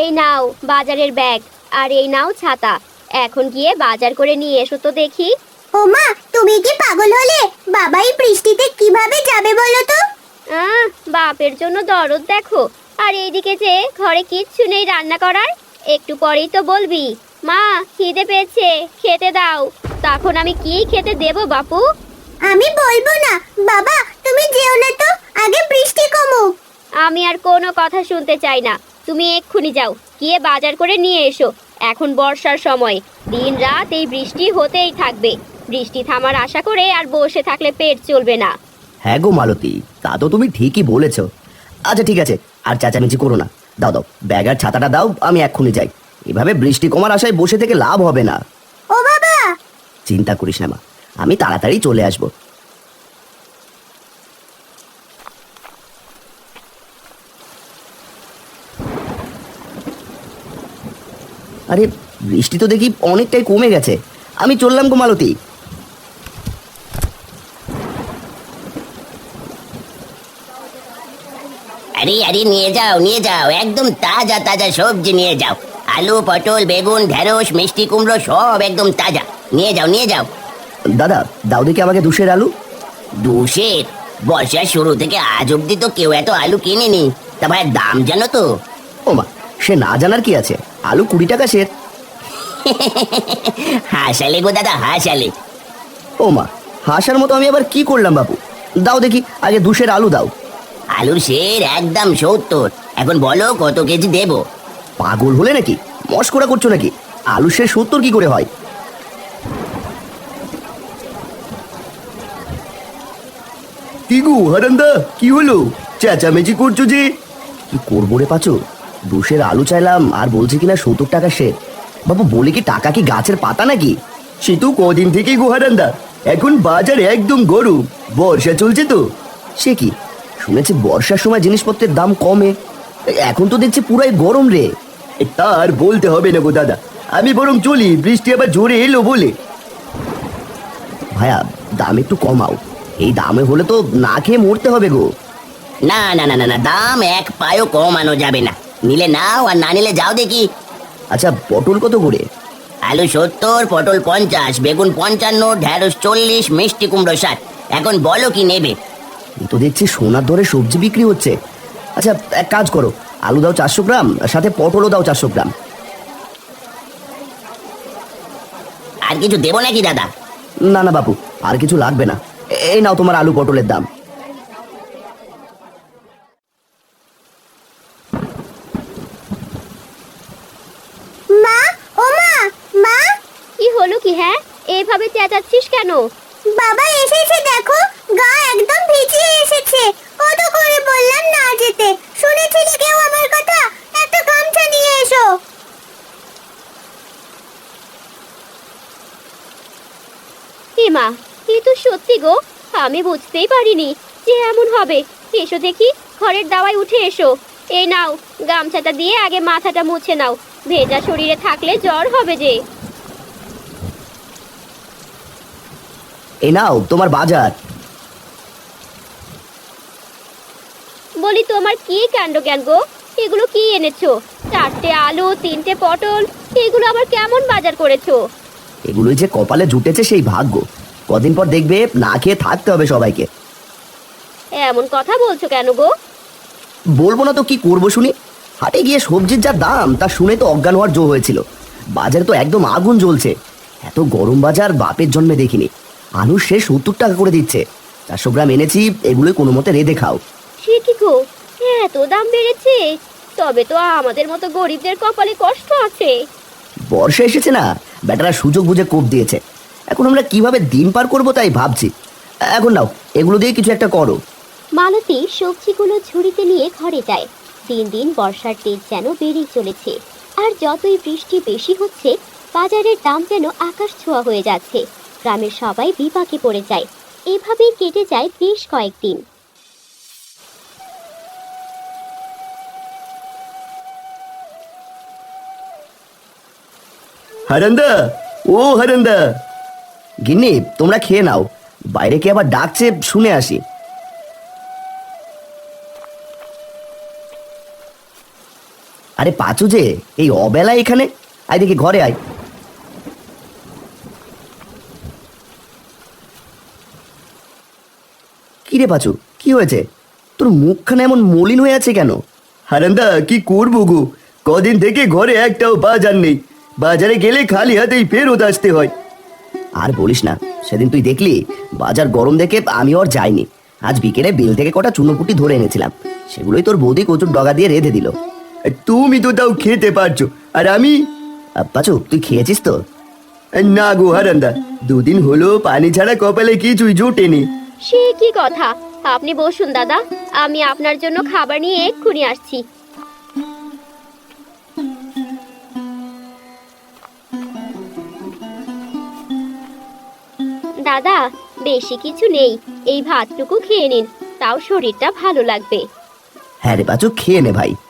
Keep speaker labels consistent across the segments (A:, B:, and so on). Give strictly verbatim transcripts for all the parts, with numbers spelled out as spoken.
A: এই নাও বাজারের ব্যাগ, আর এই নাও ছাতা। এখন গিয়ে বাজার করে নিয়ে এসো তো দেখি।
B: ওমা, তুমি কি পাগল হলে? বাবা এই বৃষ্টিতে কিভাবে যাবে বলো তো?
A: আহ বাপের জন্য দরদ দেখো। আর এইদিকে যে ঘরে কিচ্ছু নেই রান্না করার। একটু পরেই তো বলবি মা খিদে পেয়েছে, খেতে দাও। তখন আমি কি খেতে দেব বাপু?
B: আমি বলবো না। বাবা তুমি যেও না তো, আগে বৃষ্টি কমুক।
A: আমি আর কোনো কথা শুনতে চাই না। তুমি এক্ষুনি যাও, গিয়ে বাজার করে নিয়ে এসো। এখন বর্ষার সময়, দিন রাত এই বৃষ্টি হতেই থাকবে। বৃষ্টি থামার আশা করে আর বসে থাকলে পেট চলবে না।
C: হ্যাঁ গো মালতী, তা তো তুমি ঠিকই বলেছো। আচ্ছা ঠিক আছে, আর চেঁচামেচি করো না। দাও দাও ব্যাগ আর ছাতাটা দাও, আমি এক্ষুনি যাই। এভাবে বৃষ্টি কমার আশায় বসে থেকে লাভ হবে না।
B: ও বাবা!
C: চিন্তা করিস না মা, আমি তাড়াতাড়ি চলে আসবো। আরে বৃষ্টি তো দেখি অনেকটাই কমে গেছে। আমি চললাম গো মালতী।
D: আরে আরে নিয়ে যাও নিয়ে যাও, একদম তাজা তাজা সবজি নিয়ে যাও। আলু, পটল, বেগুন, ঢেঁড়স, মিষ্টি কুমড়ো সব একদম তাজা। নিয়ে যাও নিয়ে যাও।
C: দাদা দাও দেখি আমাকে দুশের আলু।
D: দুশের? বর্ষার শুরু থেকে আজ অব্দি তো কেউ এত আলু কিনেনি। তা ভাই দাম জানো তো?
C: ও মা, সে না জানার কি আছে, আলু কুড়ি টাকা সের।
D: হাসালে গো দাদা হাসালে।
C: ও মা, হাসার মতো আমি আবার কি করলাম বাবু? দাও দেখি আগে দুশের আলু দাও।
D: আলুর শের একদম সত্তর। এখন বলো কত কেজি দেবো?
C: পাগল হলে নাকি? মস্করা করছো নাকি? আলু সে সত্তর কি করে হয়? কি গো হারান্দা, কি হলো? চেঁচামেচি করছো যে? কি করবো রে পাচু, দুশের আলু চাইলাম আর বলছে কিনা সত্তর টাকা সে। বাবু বলি কি টাকা কি গাছের পাতা নাকি? সে তো কদিন থেকেই গো হারান্দা, এখন বাজার একদম গরম, বর্ষা চলছে তো। সে কি শুনেছি বর্ষার সময় জিনিসপত্রের দাম কমে, এখন তো দেখছি পুরাই গরম রে। তার বলতে হবে না গো দাদা, আমি বরং চলি, বৃষ্টি আবার জোরে এলো বলে। ভাইয়া দাম একটু কমাও, এই দামে হলে তো না খেয়ে মরতে হবে গো।
D: না না না না না, দাম এক পায়ও কমানো যাবে না। নিলে নাও আর না নিলে যাও দেখি।
C: আচ্ছা পটল কত করে?
D: আলু সত্তর, পটল পঞ্চাশ, বেগুন পঞ্চান্ন, ঢেঁড়স চল্লিশ, মিষ্টি কুমড়ো ষাট। এখন বলো কি নেবে?
C: এই তো দেখছি সোনার দরে সবজি বিক্রি হচ্ছে। আচ্ছা এক কাজ করো, আলু দাও চারশো গ্রাম, সাথে পটলও দাও চারশো গ্রাম।
D: আর কিছু দেবো নাকি দাদা?
C: না না বাপু, আর কিছু লাগবে না। এই নাও তোমার আলু পটলের দাম।
B: মা, ও মা, মা!
A: কি হলো কি? হ্যাঁ এইভাবে চেঁচাচ্ছিস কেন?
B: বাবা এসেছে দেখো, গা একদম ভিজিয়ে এসেছে। কত করে বললাম না যেতে, শুনেছিলে কেউ আমার কথা? একটা গামছা নিয়ে এসো।
A: এ মা, এ তো সত্যি গো, আমি বুঝতেই পারিনি যে এমন হবে। এসো দেখি, ঘরের দাওয়ায় উঠে এসো। এই নাও গামছাটা দিয়ে আগে মাথাটা মুছে নাও, ভেজা শরীরে থাকলে জ্বর হবে যে।
C: এই নাও তোমার বাজার।
A: বলি তোমার কি কাণ্ড জ্ঞান গো? এগুলো কি এনেছো? চারটে আলু, তিনটে পটল, এগুলো আবার কেমন বাজার করেছো?
C: এগুলোই যে কপালে জুটেছে সেই ভাগ্য, কদিন পর দেখবে না খেয়ে থাকতে হবে সবাইকে।
A: এমন কথা বলছো কেন গো?
C: বলবো না তো কি করবো শুনি। হাটে গিয়ে সবজির যা দাম তা শুনে তো অজ্ঞান হওয়ার জো হয়েছিল। বাজারে তো একদম আগুন জ্বলছে। এত গরম বাজার বাপের জন্মে দেখিনি। আলু সে সত্তর টাকা করে দিচ্ছে। চারশো গ্রাম এনেছি, এগুলোই কোনো মতে রেঁধে খাও।
A: সে কি গো, এত দাম বেড়েছে? তবে তো আমাদের মতো গরিবদের কপালে কষ্ট আছে।
C: বর্ষা এসেছে না, বেটারা সুযোগ বুঝে কোপ দিয়েছে। এখন আমরা কিভাবে দিন পার করবো তাই ভাবছি। এখন নাও এগুলো দিয়ে কিছু একটা করো।
A: মালতী সবজিগুলো ঝুড়িতে নিয়ে ঘরে যায়। দিন দিন বর্ষার তেজ যেন বেড়েই চলেছে। আর যতই বৃষ্টি বেশি হচ্ছে, বাজারের দাম যেন আকাশ ছোঁয়া হয়ে যাচ্ছে। গ্রামের সবাই বিপাকে পড়ে যায়। এভাবেই কেটে যায় বেশ কয়েকদিন।
C: হারান্দা, ও হারান্দা। গিন্নি তোমরা খেয়ে নাও, বাইরে কে আবার ডাকছে শুনে আসি। আরে পাচু যে এই অবেলা এখানে, আয় দেখি ঘরে আয়। কি রে পাচু, কি হয়েছে? তোর মুখখানে এমন মলিন হয়ে আছে কেন? হারান্দা কি করবো গো, কদিন থেকে ঘরে একটাও বাজার নেই, বাজারে গেলে খালি হাতেই ফেরত আসতে হয়। আর বলিস না, সেদিন তুই দেখলি বাজার গরম দেখে আমি আর যাইনি। আজ বিকেলে বিল থেকে কটা চুনোপুটি ধরে এনেছিলাম, সেগুলোই তোর বৌদি কচুর ডগা দিয়ে রেঁধে দিল। তুমি তো তাও খেতে পারছো, আর আমি? পাচু তুই খেয়েছিস তো? না গো হারান্দা, দুদিন হলো পানি ছাড়া কপালে কিছুই জোটেনি।
A: সে কি কথা, আপনি বসুন দাদা, আমি আপনার জন্য খাবার নিয়ে এক্ষুনি আসছি। দাদা বেশি কিছু নেই, এই ভাতটুকু খেয়ে নিন, তাও শরীরটা ভালো লাগবে।
C: হ্যাঁ রে পাচু, খেয়ে নে ভাই।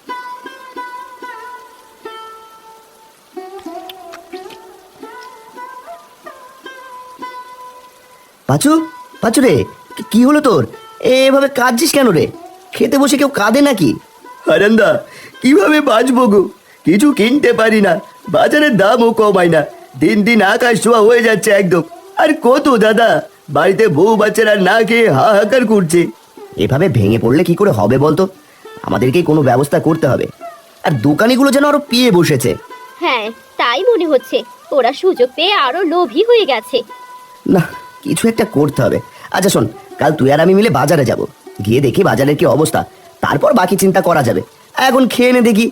C: পাচু, পাচু রে, কি- কি হলো তোর? এভাবে কাঁদছিস কেন রে? খেতে বসে কেউ কাঁদে নাকি? হারান্দা কিভাবে বাঁচবো গো, কিছু কিনতে পারি না, বাজারের দামও কমায় না, দিন দিন আকাশ ছোঁয়া হয়ে যাচ্ছে একদম। আর কত দাদা, বাড়িতে বউ বাচ্চারা না খেয়ে হাহাকার করছে। এভাবে ভেঙে পড়লে কি করে হবে বলতো? আমাদেরকেই কোনো ব্যবস্থা করতে হবে। আর দোকানিগুলো যেন আরো পিয়ে বসেছে।
A: হ্যাঁ তাই মনে হচ্ছে, ওরা সুযোগ পেয়ে আরো লোভী হয়ে গেছে।
C: না, কিছু একটা করতে হবে। আচ্ছা শোন, কাল তুই আর আমি মিলে বাজারে যাব, গিয়ে দেখি বাজারের কি অবস্থা, তারপর বাকি চিন্তা করা যাবে। এখন খেয়ে নে দেখি।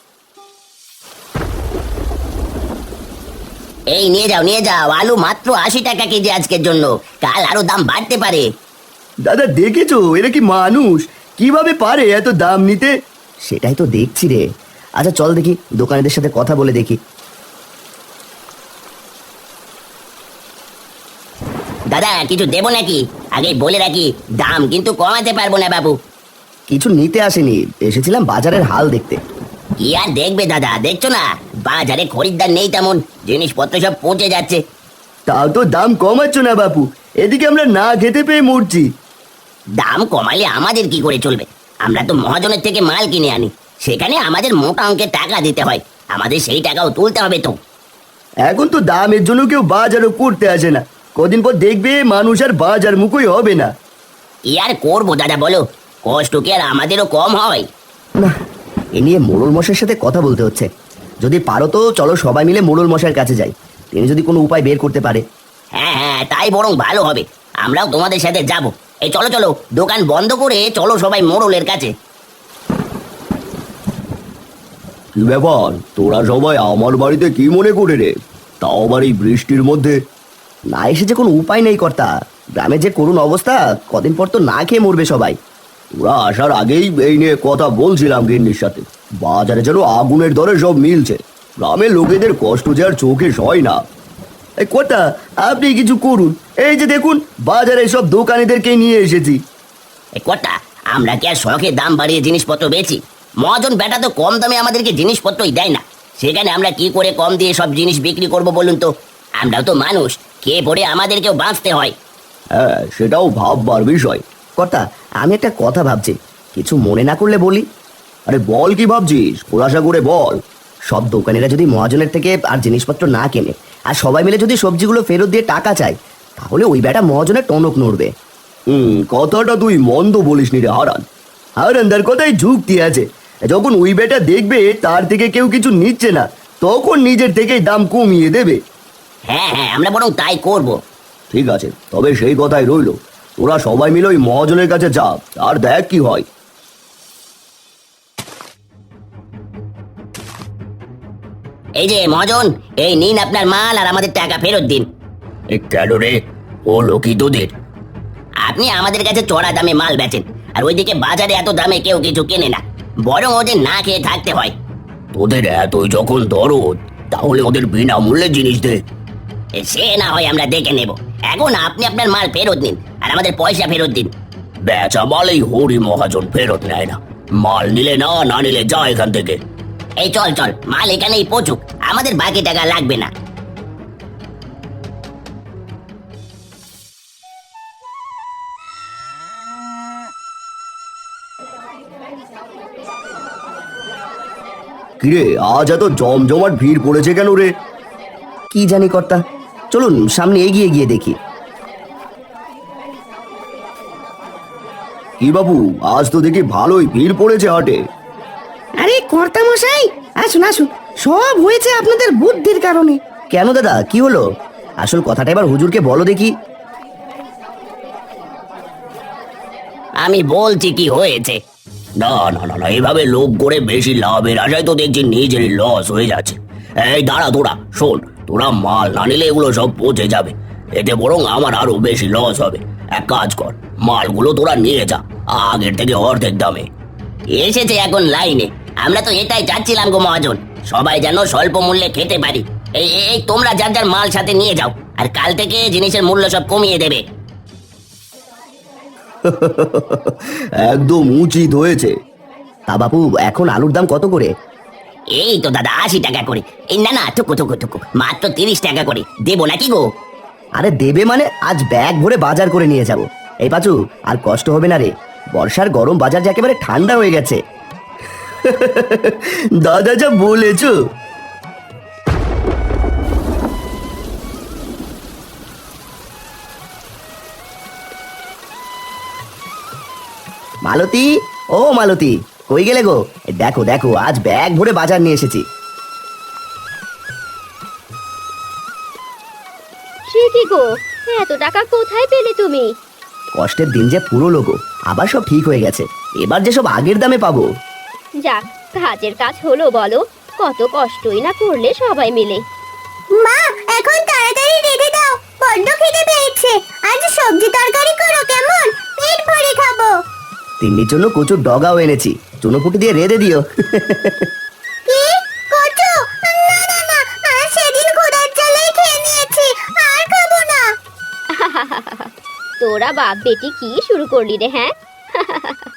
D: এই নিয়ে যাও নিয়ে যাও, আলু মাত্র আশি টাকা কেজি আজকের জন্য, কাল আরো দাম বাড়তে পারে।
C: দাদা দেখেছো এরা কি মানুষ, কিভাবে পারে এত দাম নিতে? সেটাই তো দেখছি রে। আচ্ছা চল দেখি দোকানিদের সাথে কথা বলে দেখি।
D: দাদা কিছু দেবো নাকি? আগে বলে রাখি, দাম কিন্তু কমাতে পারবো না বাবু।
C: কিছু নিতে আসেনি, এসেছিলাম বাজারের হাল দেখতে।
D: কি আর দেখবে দাদা, দেখছো না বাজারে খরিদ্দার নেই তেমন, জিনিসপত্র সব পচে যাচ্ছে।
C: তাও তো দাম কমাচ্ছ না বাপু, এদিকে আমরা না খেতে পেয়ে মরছি।
D: দাম কমালে আমাদের কি করে চলবে? আমরা তো মহাজনের থেকে মাল কিনে আনি, সেখানে আমাদের মোটা অঙ্কের টাকা দিতে হয়, আমাদের সেই টাকাও তুলতে হবে তো।
C: এখন তো দামের জন্য কেউ বাজারও করতে আসে না, কদিন পর দেখবে মানুষ আর বাজার মুখই হবে না।
D: কি আর করবো দাদা বলো, কষ্ট কি আর আমাদেরও কম হয়?
C: না, এ নিয়ে মোড়ল মশাইয়ের সাথে কথা বলতে হচ্ছে। যদি পারো তো চলো সবাই মিলে মোড়ল মশাইয়ের কাছে যাই, তিনি যদি কোনো উপায় বের করতে পারে।
D: হ্যাঁ হ্যাঁ তাই বরং ভালো হবে, আমরাও তোমাদের সাথে যাব। এই চলো চলো, দোকান বন্ধ করে চলো সবাই মোড়লের কাছে।
C: কি ব্যাপার, তোরা সবাই আমার বাড়িতে কি মনে করে রে? তাও আবার এই বৃষ্টির মধ্যে? না এসে যে কোনো উপায় নেই কর্তা, গ্রামে যে করুণ অবস্থা, কদিন পর তো না খেয়ে মরবে সবাই। ওরা আসার আগেই এই নিয়ে কথা বলছিলাম গিন্নির সাথে, বাজারে যেন আগুনের দরে সব মিলছে, গ্রামের লোকেদের কষ্ট যে আর চোখে সয় না। এই কর্তা আপনি কিছু করুন, এই যে দেখুন বাজারে সব দোকানিদেরকে নিয়ে এসেছি।
D: এই কটা, আমরা কি আর শখে দাম বাড়িয়ে জিনিসপত্র বেচি? মহাজন বেটা তো কম দামে আমাদেরকে জিনিসপত্রই দেয় না, সেখানে আমরা কি করে কম দিয়ে সব জিনিস বিক্রি করব বলুন তো? আমরাও তো মানুষ, খেয়ে পড়ে আমাদেরকেও বাঁচতে হয়।
C: হ্যাঁ সেটাও ভাববার বিষয়। কর্তা আমি একটা কথা ভাবছি, কিছু মনে না করলে বলি। আরে বল, কি ভাবছিস, খোলাসা করে বল। সব দোকানিরা যদি মহাজনের থেকে আর জিনিসপত্র না কেনে, আর সবাই মিলে যদি সবজিগুলো ফেরত দিয়ে টাকা চায়, তাহলে ওই বেটা মহাজনের টনক নড়বে। হুম, কথাটা তুই মন্দ বলিস নি রে হারান। হারানদার কথাই যুক্তি আছে, যখন ওই বেটা দেখবে তার থেকে কেউ কিছু নিচ্ছে না, তখন নিজের থেকেই দাম কমিয়ে দেবে।
D: হ্যাঁ হ্যাঁ আমরা বরং তাই করব।
C: ঠিক আছে, তবে সেই কথাই রইল, তোরা সবাই মিলে ওই মহাজনের কাছে যা, আর দেখ কি হয়।
D: এই যে মহাজন, এই নিন আপনার মাল আর আমাদের টাকা ফেরত দিন।
C: কেন রে, ও লোকি তোদের?
D: আপনি আমাদের কাছে চড়া দামে মাল বেচেন, আর ওইদিকে বাজারে এত দামে কেউ কিছু কেনে না, বরং ওদের না খেয়ে থাকতে হয়।
C: তোদের এতই যখন দরদ, তাহলে ওদের বিনামূল্যে জিনিস দে।
D: এ, সে না হয় আমরা দেখে নেব, এখন আপনি আপনার মাল ফেরত নিন আর আমাদের পয়সা ফেরত দিন।
C: বেচা মালেই হরি মহাজন ফেরত নেয় না, মাল নিলে না, না নিলে যা এখান থেকে।
D: এই চল চল, মাল এখানেই পচুক, আমাদের বাকি টাকা লাগবে না।
C: কিরে, আজ এত জমজমাট ভিড় পড়েছে কেন রে? কি জানি কর্তা, চলুন সামনে এগিয়ে গিয়ে দেখি। কি বাবু, আজ তো দেখি ভালোই ভিড় পড়েছে হাটে।
E: আরে কর্তা মশাই, আসুন আসুন, সব হয়েছে আপনাদের বুদ্ধির কারণে।
C: কেন দাদা, কি হলো? আসল কথাটা এবার হুজুরকে বলো দেখি।
D: আমি বলছি কি হয়েছে। না না না না, এভাবে লোভ করে বেশি লাভের আশায় তো দেখছি নিজেরই লস হয়ে যাচ্ছে। এই দাঁড়া, তোরা শোন, তোরা মাল না নিলে এগুলো সব পচে যাবে, এতে বরং আমার আরো বেশি লস হবে। এক কাজ কর, মালগুলো তোরা নিয়ে যা আগের থেকে অর্ধেক দামে। এসেছে এখন লাইনে, আমরা তো এটাই চাচ্ছিলাম গো মহাজন, সবাই যেন স্বল্প মূল্যে খেতে পারি। এই এই তোমরা যার যার মাল সাথে নিয়ে যাও, আর কাল থেকে জিনিসের মূল্য সব কমিয়ে দেবে।
C: একদম উচিত হয়েছে। তা বাপু, এখন আলুর দাম কত করে?
D: এই তো দাদা আশি টাকা করে। এই না না, টুকু টুকু টুকু মাত্র তিরিশ টাকা করে দেবো নাকি গো?
C: আরে দেবে মানে, আজ ব্যাগ ভরে বাজার করে নিয়ে যাব। এই পাচু, আর কষ্ট হবে না রে, বর্ষার গরম বাজার যে একেবারে ঠান্ডা হয়ে গেছে। দাদা যা বলেছো। মালতী, ও মালতী, কই গেলে গো? এই দেখো দেখো, আজ ব্যাগ ভরে বাজার নিয়ে এসেছি।
A: সে কি গো, এত টাকা কোথায় পেলে তুমি?
C: কষ্টের দিন যে পুরো লোগো, আবার সব ঠিক হয়ে গেছে, এবার যে সব আগের দামে পাবো।
A: যাক, কাজের কাজ হলো বলো, কত কষ্টই না করলে সবাই মিলে।
B: মা, এখন তাড়াতাড়ি রেঁধে দাও, বড্ড খিদে পেয়েছে। আজ সবজি তরকারি করো কেমন, পেট ভরে খাবো।
C: তিন্নির জন্য কচুর ডগাও এনেছি, চুনোপুটি দিয়ে রেঁধে দিও।
B: কি কচু? না না না, আর সেদিন ক্ষুধার জ্বালায় খেয়ে নিয়েছি, আর খাবো না।
A: তোরা বাপ বেটি কি শুরু করলি রে, হ্যাঁ?